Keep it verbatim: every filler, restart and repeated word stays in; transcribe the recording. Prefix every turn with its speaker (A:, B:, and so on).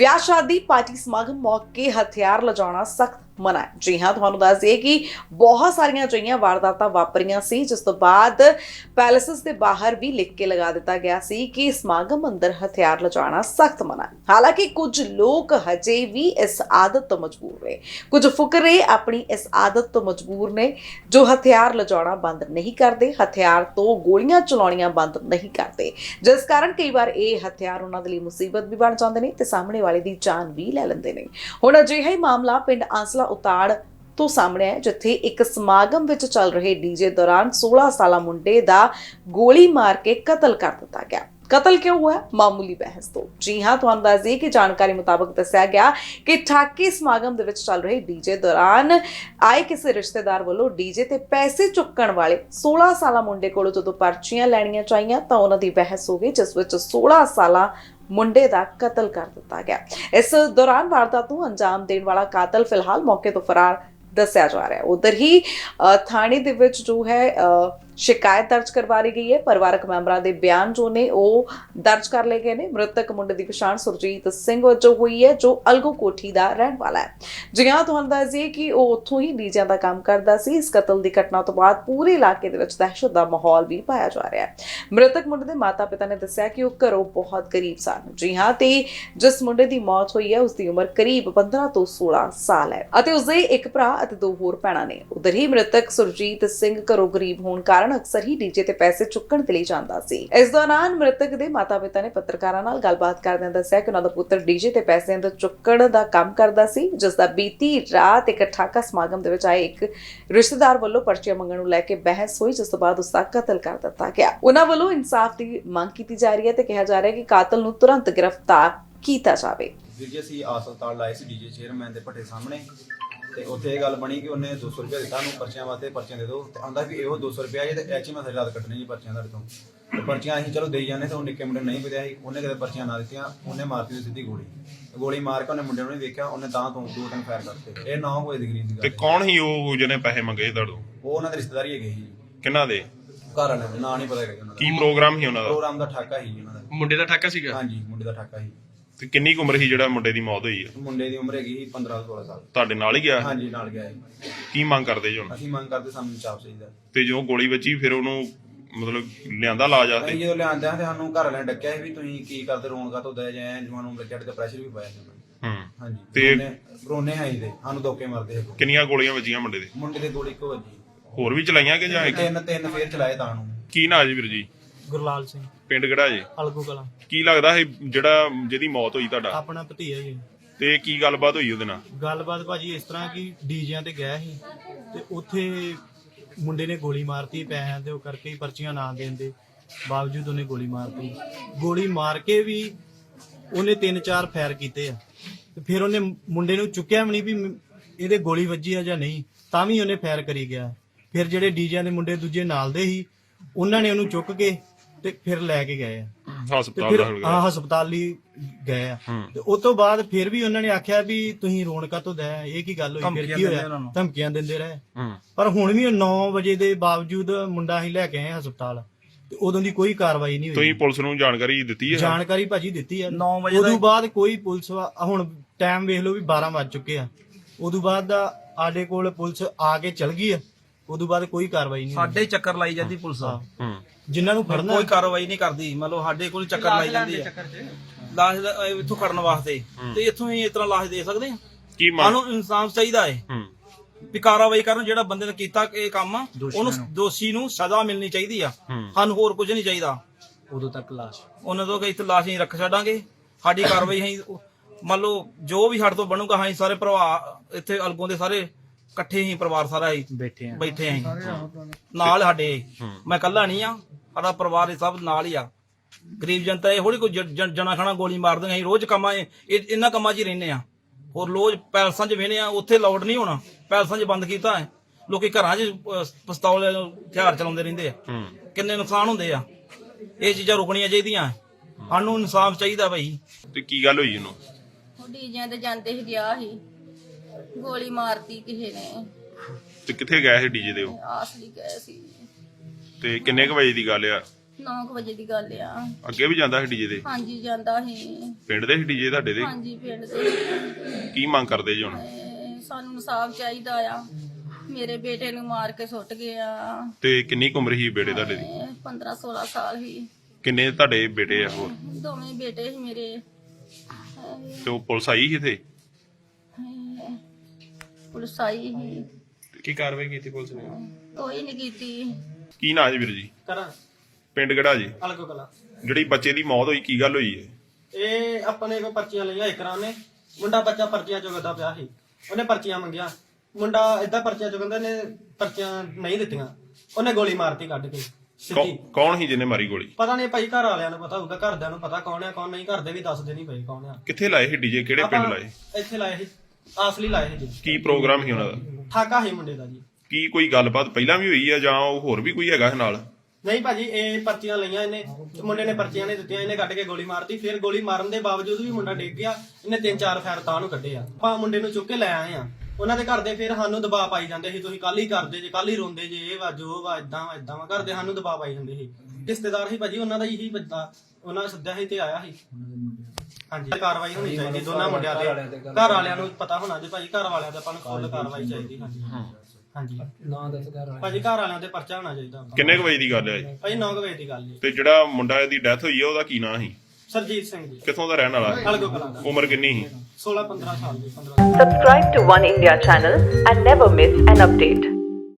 A: ਵਿਆਹ ਸ਼ਾਦੀ ਪਾਰਟੀ ਸਮਾਗਮ ਮੌਕੇ ਹਥਿਆਰ ਲਿਜਾਣਾ ਸਖਤ ਮਨਾ ਹੈ। ਜੀ ਹਾਂ, ਤੁਹਾਨੂੰ ਦੱਸ ਦਈਏ ਕਿ ਬਹੁਤ ਸਾਰੀਆਂ ਅਜਿਹੀਆਂ ਵਾਰਦਾਤਾਂ ਵਾਪਰੀਆਂ ਸੀ, ਜਿਸ ਤੋਂ ਬਾਅਦ ਪੈਲੇਸਿਸ ਦੇ ਬਾਹਰ ਵੀ ਲਿਖ ਕੇ ਲਗਾ ਦਿੱਤਾ ਗਿਆ ਸੀ ਕਿ ਸਮਾਗਮ ਅੰਦਰ ਹਥਿਆਰ ਲਿਜਾਣਾ ਸਖਤ ਮਨਾ ਹੈ। ਹਾਲਾਂਕਿ ਕੁਝ ਲੋਕ ਹਜੇ ਵੀ ਇਸ ਆਦਤ ਤੋਂ ਮਜਬੂਰ ਨੇ, ਕੁਝ ਫੁਕਰੇ ਆਪਣੀ ਇਸ ਆਦਤ ਤੋਂ ਮਜਬੂਰ ਨੇ ਜੋ ਹਥਿਆਰ ਲਿਜਾਣਾ ਬੰਦ ਨਹੀਂ ਕਰਦੇ, ਹਥਿਆਰ ਤੋਂ ਗੋਲੀਆਂ ਚਲਾਉਣੀਆਂ ਬੰਦ ਨਹੀਂ ਕਰਦੇ, ਜਿਸ ਕਾਰਨ ਕਈ ਵਾਰ ਇਹ ਹਥਿਆਰ ਉਹਨਾਂ ਦੇ ਲਈ ਮੁਸੀਬਤ ਵੀ ਬਣ ਜਾਂਦੇ ਨੇ ਤੇ ਸਾਹਮਣੇ ਵਾਲੇ ਦੀ ਜਾਨ ਵੀ ਲੈ ਲੈਂਦੇ ਨੇ। ਹੁਣ ਅਜਿਹਾ ਹੀ ਮਾਮਲਾ ਪਿੰਡ ਆਂਸਲਾ ਉਤਾੜ ਤੋਂ ਸਾਹਮਣੇ ਹੈ, ਜਿੱਥੇ ਇੱਕ ਸਮਾਗਮ ਵਿੱਚ ਚੱਲ ਰਹੇ ਡੀਜੇ ਦੌਰਾਨ ਸੋਲਾਂ ਸਾਲਾ ਮੁੰਡੇ ਦਾ ਗੋਲੀ ਮਾਰ ਕੇ ਕਤਲ ਕਰ ਦਿੱਤਾ ਗਿਆ। ਕਤਲ ਕਿਉਂ ਹੋਇਆ? ਮਾਮੂਲੀ ਬਹਿਸ ਤੋਂ। ਜੀ ਹਾਂ, ਤੁਹਾਨੂੰ ਦੱਸ ਦਈਏ ਕਿ ਜਾਣਕਾਰੀ ਮੁਤਾਬਕ ਦੱਸਿਆ ਗਿਆ ਕਿ ਠਾਕੀ ਸਮਾਗਮ ਦੇ ਵਿੱਚ ਚੱਲ ਰਹੇ ਡੀਜੇ ਦੌਰਾਨ ਆਏ ਕਿਸੇ ਰਿਸ਼ਤੇਦਾਰ ਵੱਲੋਂ ਡੀਜੇ ਤੇ ਪੈਸੇ ਚੁੱਕਣ ਵਾਲੇ ਸੋਲਾਂ ਸਾਲਾ ਮੁੰਡੇ ਕੋਲੋਂ ਜਦੋਂ ਪਰਚੀਆਂ ਲੈਣੀਆਂ ਚਾਹੀਆਂ ਤਾਂ ਉਹਨਾਂ ਦੀ ਬਹਿਸ ਹੋ ਗਈ, ਜਿਸ ਵਿੱਚ ਸੋਲਾਂ ਸਾਲਾ ਮੁੰਡੇ ਦਾ ਕਤਲ ਕਰ ਦਿੱਤਾ ਗਿਆ। ਇਸ ਦੌਰਾਨ ਵਾਰਦਾਤ ਨੂੰ ਅੰਜਾਮ ਦੇਣ ਵਾਲਾ ਕਾਤਲ ਫਿਲਹਾਲ ਮੌਕੇ ਤੋਂ ਫਰਾਰ ਦੱਸਿਆ ਜਾ ਰਿਹਾ ਹੈ। ਉਧਰ ਹੀ ਥਾਣੇ ਦੇ ਵਿੱਚ ਜੋ ਹੈ ਸ਼ਿਕਾਇਤ ਦਰਜ ਕਰਵਾ ਲਈ ਗਈ ਹੈ। ਪਰਿਵਾਰਕ ਮੈਂਬਰਾਂ ਦੇ ਬਿਆਨ ਜੋ ਨੇ ਉਹ ਦਰਜ ਕਰ ਲਏ ਗਏ ਨੇ। ਮ੍ਰਿਤਕ ਮੁੰਡੇ ਦੀ ਪਛਾਣ ਸੁਰਜੀਤ ਸਿੰਘ ਵਜੋਂ ਹੋਈ ਹੈ, ਜੋ ਅਲਗੋ ਕੋਠੀ ਦਾ ਰਹਿਣ ਵਾਲਾ ਹੈ। ਜੀ ਹਾਂ, ਤੁਹਾਨੂੰ ਦੱਸ ਦਈਏ ਕਿ ਉਹ ਉੱਥੋਂ ਹੀ ਡੀਜਿਆਂ ਦਾ ਕੰਮ ਕਰਦਾ ਸੀ। ਇਸ ਕਤਲ ਦੀ ਘਟਨਾ ਤੋਂ ਬਾਅਦ ਪੂਰੇ ਇਲਾਕੇ ਦੇ ਵਿੱਚ ਦਹਿਸ਼ਤ ਦਾ ਮਾਹੌਲ ਵੀ ਪਾਇਆ ਜਾ ਰਿਹਾ ਹੈ। ਮ੍ਰਿਤਕ ਮੁੰਡੇ ਦੇ ਮਾਤਾ ਪਿਤਾ ਨੇ ਦੱਸਿਆ ਕਿ ਉਹ ਘਰੋਂ ਬਹੁਤ ਗਰੀਬ ਸਨ। ਜੀ ਹਾਂ, ਤੇ ਜਿਸ ਮੁੰਡੇ ਦੀ ਮੌਤ ਹੋਈ ਹੈ ਉਸ ਦੀ ਉਮਰ ਕਰੀਬ ਪੰਦਰਾਂ ਤੋਂ ਸੋਲਾਂ ਸਾਲ ਹੈ ਅਤੇ ਉਸਦੇ ਇੱਕ ਭਰਾ ਅਤੇ ਦੋ ਹੋਰ ਭੈਣਾਂ ਨੇ। ਉਧਰ ਹੀ ਮ੍ਰਿਤਕ ਸੁਰਜੀਤ ਸਿੰਘ ਘਰੋਂ ਗਰੀਬ ਹੋਣ ਕਾਰਨ ਅਕਸਰ ਹੀ ਡੀਜੇ ਤੇ ਪੈਸੇ ਚੁੱਕਣ ਦੇ ਲਈ ਜਾਂਦਾ ਸੀ। ਇਸ ਦੌਰਾਨ ਮ੍ਰਿਤਕ ਦੇ ਮਾਤਾ ਪਿਤਾ ਨੇ ਪੱਤਰਕਾਰਾਂ ਨਾਲ ਗੱਲਬਾਤ ਕਰਦਿਆਂ ਦੱਸਿਆ ਕਿ ਉਹਨਾਂ ਦਾ ਪੁੱਤਰ ਡੀਜੇ ਤੇ ਪੈਸੇ ਅੰਦਰ ਚੁੱਕਣ ਦਾ ਕੰਮ ਕਰਦਾ ਸੀ, ਜਿਸ ਦਾ ਬੀਤੀ ਰਾਤ ਇੱਕ ਠਾਕਾ ਸਮਾਗਮ ਦੇ ਵਿੱਚ ਆਏ ਇੱਕ ਰਿਸ਼ਤੇਦਾਰ ਵੱਲੋਂ ਪਰਚੀਆਂ ਮੰਗਣ ਨੂੰ ਲੈ ਕੇ ਬਹਿਸ ਹੋਈ, ਜਿਸ ਤੋਂ ਬਾਅਦ ਉਸ ਦਾ ਕਤਲ ਕਰ ਦਿੱਤਾ ਗਿਆ। ਉਹਨਾਂ ਵੱਲੋਂ ਇਨਸਾਫ ਦੀ ਮੰਗ ਕੀਤੀ ਜਾ ਰਹੀ ਹੈ ਤੇ ਕਿਹਾ ਜਾ ਰਿਹਾ ਹੈ ਕਿ ਕਾਤਲ ਨੂੰ ਤੁਰੰਤ ਗ੍ਰਿਫਤਾਰ ਕੀਤਾ ਜਾਵੇ।
B: ਜੀ ਅਸੀਂ ਹਸਪਤਾਲ ਲਾਏ ਸੀ ਡੀਜੇ ਚੇਅਰਮੈਨ ਦੇ ਭੱਠੇ ਸਾਹਮਣੇ ਤੇ ਉੱਥੇ ਇਹ ਗੱਲ ਬਣੀ ਕਿ ਉਹਨੇ ਦੋ ਸੌ ਰੁਪਏ ਦਿੱਤਾ ਨੂੰ ਪਰਚੀਆਂ ਵਾਸਤੇ, ਪਰਚੀਆਂ ਦੇ ਦਿਓ ਤੇ ਆਂਦਾ ਵੀ ਇਹੋ ਦੋ ਸੌ ਰੁਪਏ ਜੇ ਤੇ ਐਚ ਮੈਂ ਸਾਰੀ ਰਾਤ ਕੱਟਣੀ ਜੀ ਪਰਚੀਆਂ ਤੁਹਾਡੇ ਤੋਂ। ਤੇ ਪਰਚੀਆਂ ਅਸੀਂ ਚਲੋ ਦੇਈ ਜਾਂਦੇ ਤੇ ਉਹ ਨਿੱਕੇ ਮੁੰਡੇ ਨਹੀਂ ਪਿਆ ਸੀ, ਉਹਨੇ ਕਦੇ ਪਰਚੀਆਂ ਨਾ ਦਿੱਤੀਆਂ, ਉਹਨੇ ਮਾਰਤੀ ਸਿੱਧੀ ਗੋਲੀ। ਗੋਲੀ ਮਾਰ ਕੇ ਉਹਨੇ ਮੁੰਡੇ ਨੂੰ ਨਹੀਂ ਵੇਖਿਆ, ਉਹਨੇ ਤਾਂ ਤੋਂ ਦੋ ਤਿੰਨ ਫਾਇਰ ਕਰਤੇ। ਇਹ ਨੌ ਵਜੇ ਦੀ ਗਰੀਬ ਦੀ ਗੱਲ।
C: ਤੇ ਕੌਣ ਸੀ ਉਹ ਜਿਹਨੇ ਪੈਸੇ ਮੰਗੇ ਤੁਹਾਡੋਂ?
B: ਉਹ ਉਹਨਾਂ ਦੇ ਰਿਸ਼ਤੇਦਾਰੀ ਹੈਗੇ ਸੀ।
C: ਕਿਹਨਾਂ ਦੇ?
B: ਘਰ ਵਾਲਿਆਂ ਦੇ ਨਾਂ ਨਹੀਂ ਪਤਾ ਹੈਗਾ ਉਹਨਾਂ ਦਾ।
C: ਕੀ ਪ੍ਰੋਗਰਾਮ ਸੀ ਉਹਨਾਂ ਦਾ?
B: ਪ੍ਰੋਗਰਾਮ ਦਾ ਠਾਕਾ ਸੀ ਉਹਨਾਂ ਦਾ।
D: ਮੁੰਡੇ ਦਾ ਠਾਕਾ ਸੀਗਾ?
B: ਹਾਂਜੀ, ਮੁੰਡੇ ਦਾ ਠਾਕਾ ਸੀ।
C: ਤੇ ਕਿੰਨੀ ਕੁ ਉਮਰ ਸੀ ਜਿਹੜਾ ਮੁੰਡੇ ਦੀ ਮੌਤ ਹੋਈ ਹੈ?
B: ਮੁੰਡੇ ਦੀ ਉਮਰ ਹੈਗੀ ਸੀ ਪੰਦਰਾਂ ਸੋਲਾਂ ਸਾਲ।
C: ਤੁਹਾਡੇ ਨਾਲ ਹੀ ਗਿਆ?
B: ਹਾਂਜੀ, ਨਾਲ ਗਿਆ ਸੀ।
C: ਕੀ ਮੰਗ ਕਰਦੇ ਜੀ ਹੁਣ?
B: ਅਸੀਂ ਮੰਗ ਕਰਦੇ ਸਾਨੂੰ ਇਨਸਾਫ ਚਾਹੀਦਾ।
C: ਤੇ ਜੋ ਗੋਲੀ ਵੱਜੀ ਫਿਰ ਉਹਨੂੰ ਮਤਲਬ ਲਿਆਂਦਾ ਲਾਜ ਆਸਤੇ?
B: ਅਸੀਂ ਜਦੋਂ ਲਿਆਂਦੇ ਆ ਤੇ ਸਾਨੂੰ ਘਰ ਵਾਲਿਆਂ ਨੇ ਡੱਕਿਆ ਸੀ ਵੀ ਤੁਸੀਂ ਕੀ ਕਰਦੇ, ਰੋਣ ਕਾ ਤੋਂ ਦਇਆ ਜਾਏ ਜਵਾਨ ਨੂੰ ਬੱਚੇ ਤੇ ਪ੍ਰੈਸ਼ਰ ਵੀ ਪਾਇਆ ਸੀ ਉਹਨਾਂ ਨੇ।
C: ਹੂੰ।
B: ਹਾਂਜੀ,
C: ਤੇ
B: ਰੋਨੇ ਆਈ ਦੇ ਸਾਨੂੰ ਧੋਕੇ ਮਾਰਦੇ ਸੀ।
C: ਕਿੰਨੀਆਂ ਗੋਲੀਆਂ ਵੱਜੀਆਂ ਮੁੰਡੇ ਦੇ?
B: ਮੁੰਡੇ ਦੇ ਗੋਲੀ ਇੱਕੋ ਵੱਜੀ।
C: ਹੋਰ ਵੀ ਚਲਾਈਆਂ ਕਿ ਜਾਂ ਇੱਕ?
B: ਤਿੰਨ ਤਿੰਨ ਫੇਰ ਚਲਾਏ ਤਾਂ ਨੂੰ।
C: ਕੀ ਨਾਂ ਜੀ ਵੀਰ ਜੀ?
D: ਗੁਰਲਾਲ ਸਿੰਘ,
C: ਪਿੰਡ ਕਿਹੜਾ ਜੀ?
D: ਅਲਗੂ ਕਲਾਂ।
C: ਕੀ ਲੱਗਦਾ ਇਹ ਜਿਹੜਾ ਜਿਹਦੀ ਮੌਤ ਹੋਈ ਤੁਹਾਡਾ?
D: ਆਪਣਾ ਭਤੀਆ ਜੀ।
C: ਤੇ ਕੀ ਗੱਲਬਾਤ ਹੋਈ ਉਹਦੇ ਨਾਲ?
D: ਗੱਲਬਾਤ ਭਾਜੀ ਇਸ ਤਰ੍ਹਾਂ ਕਿ ਡੀਜਿਆਂ ਤੇ ਗਿਆ ਸੀ ਤੇ ਉੱਥੇ ਮੁੰਡੇ ਨੇ ਗੋਲੀ ਮਾਰਤੀ ਪੈਸਿਆਂ ਦੇ ਉਹ ਕਰਕੇ ਹੀ, ਪਰਚੀਆਂ ਨਾ ਦੇਣ ਦੇ ਬਾਵਜੂਦ ਉਹਨੇ ਗੋਲੀ ਮਾਰਤੀ। ਗੋਲੀ ਮਾਰ ਕੇ ਵੀ ਉਹਨੇ ਤਿੰਨ ਚਾਰ ਫਾਇਰ ਕੀਤੇ ਆ ਤੇ ਫਿਰ ਉਹਨੇ ਮੁੰਡੇ ਨੂੰ ਚੁੱਕਿਆ ਵੀ ਨਹੀਂ ਵੀ ਇਹਦੇ ਗੋਲੀ ਵੱਜੀ ਆ ਜਾਂ ਨਹੀਂ, ਤਾਂ ਵੀ ਉਹਨੇ ਫਾਇਰ ਕਰੀ ਗਿਆ। ਫਿਰ ਜਿਹੜੇ ਡੀਜਿਆਂ ਦੇ ਮੁੰਡੇ ਦੂਜੇ ਨਾਲ ਦੇ ਸੀ ਉਹਨਾਂ ਨੇ ਉਹਨੂੰ ਚੁੱਕ ਕੇ ਤੇ ਫਿਰ ਲੈ ਕੇ ਗਏ ਆ
C: ਹਸਪਤਾਲ ਦਾ?
D: ਹਾਂ, ਹਸਪਤਾਲ ਲਈ ਗਏ ਆ। ਤੇ ਉਸ ਤੋਂ ਬਾਅਦ ਫਿਰ ਵੀ ਉਹਨਾਂ ਨੇ ਆਖਿਆ ਵੀ ਤੁਸੀਂ ਰੋਣ ਕਾਹਤੋਂ ਦਇਆ, ਇਹ ਕੀ ਗੱਲ ਹੋਈ, ਫਿਰ ਕੀ ਹੋਇਆ, ਧਮਕੀਆਂ ਦਿੰਦੇ ਰਹੇ। ਪਰ ਹੁਣ ਵੀ ਨੌ ਵਜੇ ਦੇ ਬਾਵਜੂਦ ਮੁੰਡਾ ਅਸੀਂ ਲੈ ਕੇ ਆਏ ਹਸਪਤਾਲ ਤੇ ਉਦੋਂ ਦੀ ਕੋਈ ਕਾਰਵਾਈ ਨਹੀਂ ਹੋਈ।
C: ਤੁਸੀਂ ਪੁਲਿਸ ਨੂੰ ਜਾਣਕਾਰੀ ਦਿੱਤੀ ਹੈ?
D: ਜਾਣਕਾਰੀ ਭਾਜੀ ਦਿੱਤੀ ਆ। ਉਦੋਂ ਬਾਅਦ ਕੋਈ ਪੁਲਿਸ, ਹੁਣ ਟਾਈਮ ਵੇਖ ਲਓ ਵੀ ਬਾਰਾਂ ਵੱਜ ਚੁੱਕੇ ਆ, ਉਦੋਂ ਬਾਅਦ ਦਾ ਸਾਡੇ ਕੋਲ ਪੁਲਿਸ ਆ ਕੇ ਚਲ ਗਈ ਆ, ਉਦੋਂ ਬਾਅਦ ਕੋਈ ਕਾਰਵਾਈ ਨਹੀਂ।
E: ਸਾਡੇ ਚੱਕਰ ਲਾਈ ਜਾਂਦੀ ਪੁਲਿਸ,
D: ਜਿਨ੍ਹਾਂ ਨੂੰ ਫੜਨਾ
E: ਕੋਈ ਕਾਰਵਾਈ ਨਹੀਂ ਕਰਦੀ। ਮਤਲਬ ਸਾਡੇ ਕੋਲ ਚੱਕਰ ਲਾਈ ਜਾਂਦੀ ਹੈ ਲਾਸ਼ ਦਾ ਇੱਥੋਂ ਕੱਢਣ ਵਾਸਤੇ, ਤੇ ਇੱਥੋਂ ਹੀ ਇਸ ਤਰ੍ਹਾਂ ਲਾਸ਼ ਦੇ ਸਕਦੇ ਆ।
C: ਕੀ
E: ਸਾਨੂੰ ਇਨਸਾਫ ਚਾਹੀਦਾ ਹੈ ਵੀ ਕਾਰਵਾਈ ਕਰਨ, ਜਿਹੜਾ ਬੰਦੇ ਨੇ ਕੀਤਾ ਇਹ ਕੰਮ ਉਹਨੂੰ, ਦੋਸ਼ੀ ਨੂੰ ਸਜ਼ਾ ਮਿਲਣੀ ਚਾਹੀਦੀ ਆ। ਸਾਨੂੰ ਹੋਰ ਕੁਝ ਨਹੀਂ ਚਾਹੀਦਾ।
D: ਉਦੋਂ ਤੱਕ ਲਾਸ਼
E: ਉਹਨਾਂ ਤੋਂ ਇੱਥੇ ਲਾਸ਼ ਹੀ ਰੱਖ ਛੱਡਾਂਗੇ। ਸਾਡੀ ਕਾਰਵਾਈ ਅਸੀਂ ਮੰਨ ਲਓ ਜੋ ਵੀ ਸਾਡੇ ਤੋਂ ਬਣੂਗਾ, ਅਸੀਂ ਸਾਰੇ ਭਰਾ ਇੱਥੇ ਅਲਗੋਂ ਦੇ ਸਾਰੇ ਇਕੱਠੇ ਹੀ ਪਰਿਵਾਰ ਸਾਰਾ ਹੀ ਬੈਠੇ ਆ ਬੈਠੇ ਆ ਨਾਲ ਸਾਡੇ। ਮੈਂ ਇਕੱਲਾ ਨਹੀਂ ਆ, ਸਾਡਾ ਪਰਿਵਾਰ ਇਹ ਸਭ ਨਾਲ ਹੀ ਆ। ਗਰੀਬ ਜਨਤਾ ਇਹ ਹੋੜੀ ਕੋਈ ਜਣਾ ਖਾਣਾ ਗੋਲੀ ਮਾਰ ਦਿੰਦੇ। ਅਸੀਂ ਰੋਜ਼ ਕੰਮਾਂ ਇਹਨਾਂ ਕੰਮਾਂ 'ਚ ਹੀ ਰਹਿੰਦੇ ਆ। ਹੋਰ ਰੋਜ਼ ਪੈਲਸਾਂ 'ਚ ਵੇਹਨੇ ਆ, ਉੱਥੇ ਲਾਊਡ ਨਹੀਂ ਹੋਣਾ, ਪੈਲਸਾਂ 'ਚ ਬੰਦ ਕੀਤਾ ਹੈ। ਲੋਕੀ ਘਰਾਂ 'ਚ ਪਿਸਤੌਲ ਹਥਿਆਰ ਚਲਾਉਂਦੇ ਰਹਿੰਦੇ ਆ, ਕਿੰਨੇ ਨੁਕਸਾਨ ਹੁੰਦੇ ਆ। ਇਹ ਚੀਜ਼ਾਂ ਰੁਕਣੀਆਂ ਚਾਹੀਦੀਆਂ। ਸਾਨੂੰ ਇਨਸਾਫ ਚਾਹੀਦਾ ਭਾਈ।
C: ਤੇ ਕੀ ਗੱਲ ਹੋਈ ਉਹਨੂੰ?
F: ਉਹ ਡੀਜਿਆਂ ਤੇ ਜਾਂਦੇ ਸੀ, ਗਿਆ ਸੀ, ਗੋਲੀ ਮਾਰਤੀ ਕਿਸੇ ਨੇ।
C: ਤੇ ਕਿੱਥੇ ਗਏ ਸੀ ਡੀਜੇ ਦੇ ਉਹ?
F: ਆਸਲੀ ਗਏ ਸੀ।
C: ਤੇ ਕਿੰਨੇ ਕੁ ਵਜੇ ਦੀ ਗੱਲ ਆ?
F: ਨੌ ਵਜੇ ਦੀ ਗੱਲ ਆ।
C: ਅੱਗੇ ਵੀ ਜਾਂਦਾ ਸੀ ਡੀਜੇ ਦੇ?
F: ਹਾਂਜੀ ਜਾਂਦਾ ਸੀ।
C: ਪਿੰਡ ਦੇ ਸੀ ਡੀਜੇ ਤੁਹਾਡੇ ਦੇ?
F: ਹਾਂਜੀ ਪਿੰਡ ਦੇ।
C: ਕੀ ਮੰਗ ਕਰਦੇ ਜੀ ਹੁਣ?
F: ਤੇ ਸਾਨੂੰ ਇਨਸਾਫ ਚਾਹੀਦਾ ਆ। ਮੇਰੇ ਬੇਟੇ ਨੂੰ ਮਾਰ ਕੇ ਸੁੱਟ ਗਿਆ।
C: ਤੇ ਕਿੰਨੀ ਕੁ ਉਮਰ ਸੀ ਬੇਟੇ ਤੁਹਾਡੇ ਦੀ?
F: ਪੰਦਰਾਂ ਸੋਲਾਂ ਸਾਲ ਸੀ।
C: ਕਿੰਨੇ ਤੁਹਾਡੇ ਬੇਟੇ ਆ ਹੋਰ?
F: ਦੋਵੇਂ ਬੇਟੇ ਸੀ ਮੇਰੇ।
C: ਤੇ ਉਹ ਪੁਲਿਸ ਆਈ ਸੀ ਇੱਥੇ?
F: ਪੁਲਿਸ ਆਈ ਸੀ।
C: ਕੀ ਕਾਰਵਾਈ ਕੀਤੀ ਪੁਲਿਸ ਨੇ?
F: ਕੋਈ ਨਹੀਂ ਕੀਤੀ।
C: ਕੀ ਨਾਂ ਜੀ ਵੀਰ ਜੀ?
D: ਕਰਾਂ
C: ਪਿੰਡ ਕਿਹੜਾ ਜੀ?
D: ਅਲਗੋ ਕਲਾ।
C: ਜਿਹੜੀ ਬੱਚੇ ਦੀ ਮੌਤ ਹੋਈ ਕੀ ਗੱਲ ਹੋਈ ਹੈ?
D: ਇਹ ਆਪਣੇ ਕੋ ਪਰਚੀਆਂ ਲਈਆਂ ਇਕਰਾਂ ਨੇ। ਮੁੰਡਾ ਬੱਚਾ ਪਰਚੀਆਂ ਚੁਗਦਾ ਪਿਆ ਸੀ। ਉਹਨੇ ਪਰਚੀਆਂ ਮੰਗੀਆਂ। ਮੁੰਡਾ ਏਦਾਂ ਪਰਚੀਆਂ ਚੁਗਦਾ ਨੇ, ਪਰਚੀਆਂ ਨਹੀਂ ਦਿੱਤੀਆਂ। ਉਹਨੇ ਗੋਲੀ ਮਾਰਤੀ ਕੱਢ ਕੇ ਸਿੱਧੀ।
C: ਕੌ- ਕੌਣ ਸੀ ਜਿਹਨੇ ਮਾਰੀ ਗੋਲੀ?
D: ਪਤਾ ਨਹੀਂ ਭਾਈ, ਘਰ ਵਾਲਿਆਂ ਨੂੰ ਪਤਾ ਹੋਊਗਾ, ਘਰਦਿਆਂ ਨੂੰ ਪਤਾ ਕੌਣ ਆ ਕੌਣ ਨਹੀਂ। ਘਰ ਦੇ ਵੀ ਦੱਸਦੇ ਨਹੀਂ ਪਏ ਕੌਣ ਆ।
C: ਕਿੱਥੇ ਲਾਏ ਸੀ ਡੀਜੇ? ਕਿਹੜੇ ਪਿੰਡ
D: ਆਪਾਂ
C: ਲਾਏ?
D: ਇੱਥੇ ਲਾਏ ਸੀ, ਆਸਲੀ ਲਾਏ ਸੀ ਜੀ।
C: ਕੀ ਪ੍ਰੋਗਰਾਮ ਸੀ ਉਹਨਾਂ ਦਾ?
D: ਠਾਕਾ ਸੀ ਮੁੰਡੇ ਦਾ ਜੀ।
C: ਕੀ ਕੋਈ ਗੱਲਬਾਤ ਪਹਿਲਾਂ ਵੀ ਹੋਈ ਆ ਜਾਂ ਉਹ ਹੋਰ ਵੀ ਕੋਈ ਹੈਗਾ ਨਾਲ?
D: ਨਹੀਂ ਭਾਜੀ, ਇਹ ਪਰਚੀਆਂ ਲਈਆਂ ਇਹਨੇ ਤੇ ਮੁੰਡੇ ਨੇ ਪਰਚੀਆਂ ਨਹੀਂ ਦਿੱਤੀਆਂ। ਇਹਨੇ ਕੱਢ ਕੇ ਗੋਲੀ ਮਾਰਤੀ। ਫਿਰ ਗੋਲੀ ਮਾਰਨ ਦੇ ਬਾਵਜੂਦ ਵੀ ਮੁੰਡਾ ਡਿੱਗ ਗਿਆ। ਇਹਨੇ ਤਿੰਨ ਚਾਰ ਫੈਰ ਤਾਂ ਨੂੰ ਕੱਢੇ ਆ। ਆਪਾਂ ਮੁੰਡੇ ਨੂੰ ਚੁੱਕ ਕੇ ਲੈ ਆਏ ਆ। ਉਹਨਾਂ ਦੇ ਘਰ ਦੇ ਫਿਰ ਸਾਨੂੰ ਦਬਾਅ ਪਾਈ ਜਾਂਦੇ ਸੀ, ਤੁਸੀਂ ਕੱਲ ਹੀ ਕਰਦੇ ਜੇ, ਕੱਲ ਹੀ ਰੋਂਦੇ ਜੇ, ਇਹ ਵਾ ਜੋ ਵਾ, ਇਦਾਂ ਵਾ ਇਦਾਂ ਵਾ। ਘਰ ਦੇ ਸਾਨੂੰ ਦਬਾਅ ਪਾਈ ਜਾਂਦੇ ਸੀ। ਰਿਸ਼ਤੇਦਾਰ ਸੀ ਭਾਜੀ ਉਹਨਾਂ ਦਾ ਇਹੀ ਬੰਦਾ, ਉਹਨਾਂ ਸੱਦਿਆ ਸੀ ਤੇ ਆਇਆ ਸੀ। ਹਾਂਜੀ, ਕਾਰਵਾਈ ਹੋਣੀ ਚਾਹੀਦੀ ਦੋਨਾਂ ਮੁੰਡਿਆਂ ਤੇ। ਘਰ ਵਾਲਿਆਂ ਨੂੰ ਪਤਾ ਹੋਣਾ ਜੀ ਭਾਜੀ, ਘਰ ਵਾਲਿਆਂ ਤੇ ਆਪਾਂ ਨੂੰ ਫੁੱਲ ਕਾਰਵਾਈ ਚਾਹੀਦੀ। ਹਾਂਜੀ ਹਾਂਜੀ ਭਾਜੀ, ਘਰ ਵਾਲਿਆਂ ਤੇ ਪਰਚਾ ਹੋਣਾ ਚਾਹੀਦਾ।
C: ਕਿੰਨੇ ਕੁ ਵਜੇ ਦੀ ਗੱਲ ਹੈ ਜੀ?
D: ਭਾਜੀ ਨੌ ਵਜੇ ਦੀ ਗੱਲ ਜੀ।
C: ਤੇ ਜਿਹੜਾ ਮੁੰਡਾ ਦੀ ਡੈਥ ਹੋਈ ਆ ਉਹਦਾ ਕੀ ਨਾਂ ਸੀ?
D: ਸਰਜੀਤ ਸਿੰਘ ਜੀ,
C: ਕਿੱਥੋਂ ਦਾ ਰਹਿਣ ਵਾਲਾ?
D: ਅਲਗੋ ਕਲਾਂ ਦਾ।
C: ਉਮਰ ਕਿੰਨੀ ਸੀ?
D: ਸੋਲਾਂ ਪੰਦਰਾਂ ਸਾਲ ਦੀ। ਪੰਦਰਾਂ
G: Subscribe to One India channel and never miss an update.